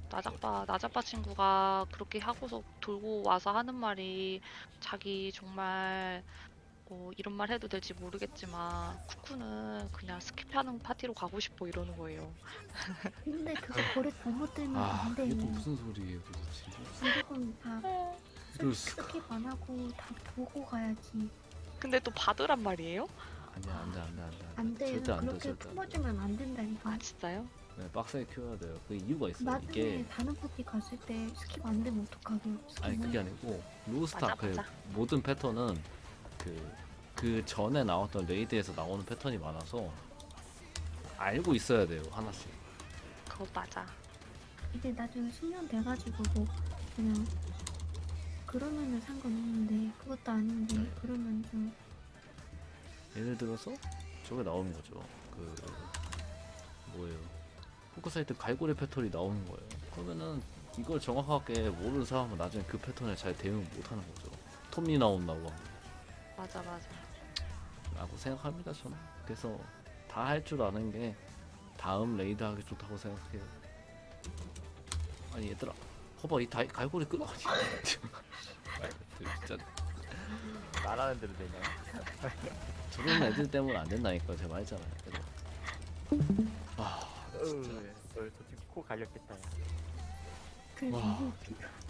나자빠 친구가 그렇게 하고서 돌고 와서 하는 말이 자기 정말 이런 말 해도 될지 모르겠지만 쿠쿠는 그냥 스킵하는 파티로 가고 싶어 이러는 거예요. 근데 그거 버릇 잘못되면 안 돼. 이게 또 무슨 소리예요 도대체. 무조건 다 이럴 수가. 스킵 안 하고 다 보고 가야지. 근데 또 받으란 말이에요? 아니야 안돼. 안 돼요. 절대 안 돼. 그렇게 절대 안 돼. 품어주면 안 된다니까. 아 진짜요? 네, 빡세게 키워야 돼요. 그 이유가 있어요. 나중에 이게 다른 파티 갔을 때 스킵 안 되면 어떡하게? 아니 그게 아니고 로스타 맞아, 그 맞아. 모든 패턴은 그 전에 나왔던 레이드에서 나오는 패턴이 많아서 알고 있어야 돼요 하나씩. 그거 맞아. 이게 나중에 숙련 돼가지고 뭐 그냥 그러면은 상관없는데 그것도 아닌데 그러면 좀 예를 들어서 저게 나오는 거죠. 그 뭐예요? 포커사이트 갈고리 패턴이 나오는 거예요. 그러면은 이걸 정확하게 모르는 사람은 나중에 그 패턴에 잘 대응 못하는 거죠. 톱니 나온다고 맞아. 라고 생각합니다 저는. 그래서 다 할 줄 아는 게 다음 레이드 하기 좋다고 생각해요. 아니 얘들아 허봐 이 갈고리 끄 아니 진짜 말하는 대로 되냐? 저런 애들 때문에 안 된다니까 제가 말했잖아요. 그래서 아 진짜 저 지금 코 갈렸겠다. 야. 그 와.